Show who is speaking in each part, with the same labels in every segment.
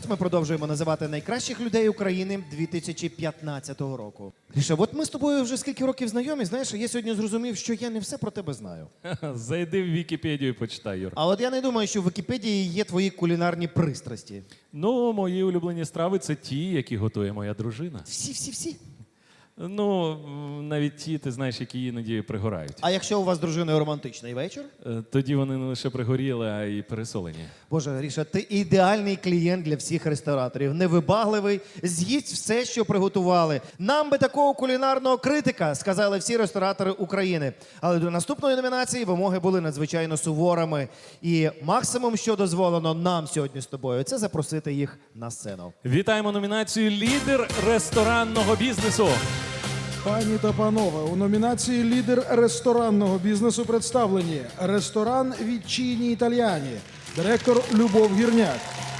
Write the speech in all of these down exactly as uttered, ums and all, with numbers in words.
Speaker 1: ми продовжуємо називати найкращих людей України дві тисячі п'ятнадцятого року. Гріша, от ми з тобою вже скільки років знайомі, знаєш, я сьогодні зрозумів, що я не все про тебе знаю.
Speaker 2: Зайди в Вікіпедію і почитай, Юр.
Speaker 1: А от я не думаю, що в Вікіпедії є твої кулінарні пристрасті.
Speaker 2: Ну, мої улюблені страви – це ті, які готує моя дружина.
Speaker 1: Всі-всі-всі.
Speaker 2: Ну, м, навіть ті, ти знаєш, які іноді пригорають.
Speaker 1: А якщо у вас з дружиною романтичний вечір?
Speaker 2: Е, Тоді вони не лише пригоріли, а й пересолені.
Speaker 1: Боже, Гріша, ти ідеальний клієнт для всіх рестораторів. Невибагливий, з'їсть все, що приготували. Нам би такого кулінарного критика, сказали всі ресторатори України. Але до наступної номінації вимоги були надзвичайно суворими. І максимум, що дозволено нам сьогодні з тобою, це запросити їх на сцену.
Speaker 2: Вітаємо номінацію «Лідер ресторанного бізнесу».
Speaker 3: Пані та панове, у номінації «Лідер ресторанного бізнесу» представлені ресторан «Вітчині Італіані», директор Любов Гірняк.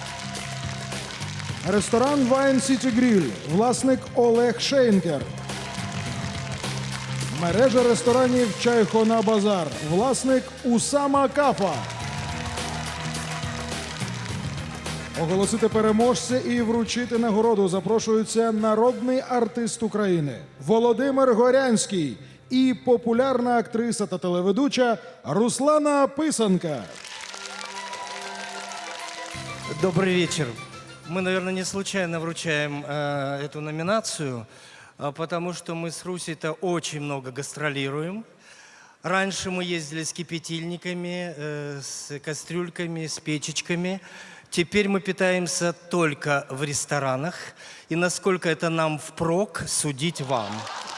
Speaker 3: Ресторан «Вайн Сіті Гріль», власник Олег Шейнкер. Мережа ресторанів «Чайхона Базар», власник Усама Кафа. Оголосити переможця і вручити нагороду запрошується народний артист України Володимир Горянський і популярна актриса та телеведуча Руслана Писанка.
Speaker 4: Добрый вечер. Мы, наверное, не случайно вручаем э, эту номинацию, а потому что мы с Русей-то очень много гастролируем. Раньше мы ездили с кипятильниками, э, с кастрюльками, с печечками. Теперь мы питаемся только в ресторанах. И насколько это нам впрок, судить вам.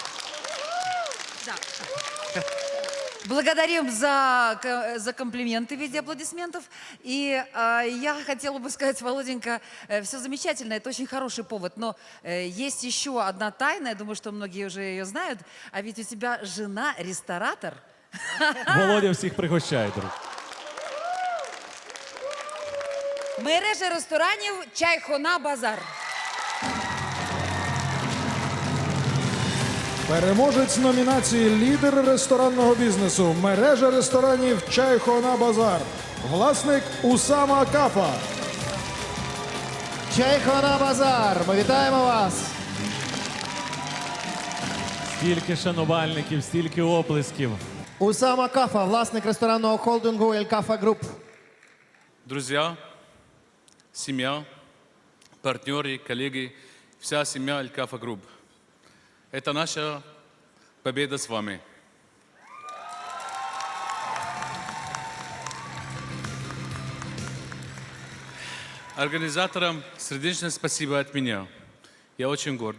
Speaker 5: Благодарим за, к- за комплименты в виде аплодисментов. И э, я хотела бы сказать, Володенька, э, все замечательно, это очень хороший повод. Но э, есть еще одна тайна, я думаю, что многие уже ее знают. А ведь у тебя жена ресторатор.
Speaker 2: Володя всіх пригощає, друг.
Speaker 5: Мережа ресторанів «Чайхона Базар».
Speaker 3: Переможець номінації «Лідер ресторанного бізнесу», мережа ресторанів «Чайхона Базар», власник Усама Кафа.
Speaker 1: Чайхона Базар, ми вітаємо вас!
Speaker 2: Стільки шанувальників, стільки оплесків.
Speaker 1: Усама Кафа, власник ресторанного холдингу «Ель Кафа Груп».
Speaker 6: Друзья, семья, партнеры, коллеги, вся семья Алькафа Групп. Это наша победа с вами. Организаторам сердечное спасибо от меня. Я очень горд.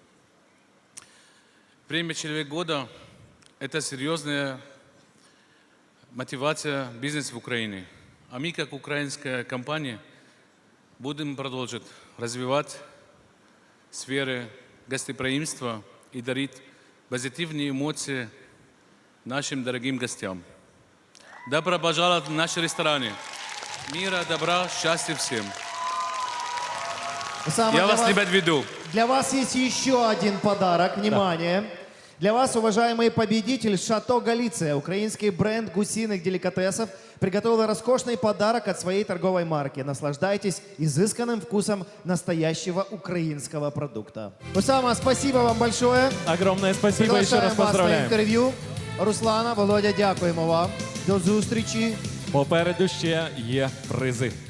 Speaker 6: Премия «Человек года» – это серьезная мотивация бизнеса в Украине. А мы, как украинская компания, будем продолжать развивать сферы гостеприимства и дарить позитивные эмоции нашим дорогим гостям. Добро пожаловать в наши рестораны. Мира, добра, счастья всем.
Speaker 1: Усама,
Speaker 6: Я
Speaker 1: для
Speaker 6: вас, ребят, веду.
Speaker 1: Для вас есть еще один подарок. Внимание! Для вас, уважаемый победитель, Шато Галиция, украинский бренд гусиных деликатесов, приготовил роскошный подарок от своей торговой марки. Наслаждайтесь изысканным вкусом настоящего украинского продукта. Усама, спасибо вам большое.
Speaker 2: Огромне спасибо, і ще раз
Speaker 1: Приглашаем вас на
Speaker 2: поздравляю.
Speaker 1: інтерв'ю. Руслана, Володя, дякуємо вам. До зустрічі.
Speaker 2: Попереду ще є призи.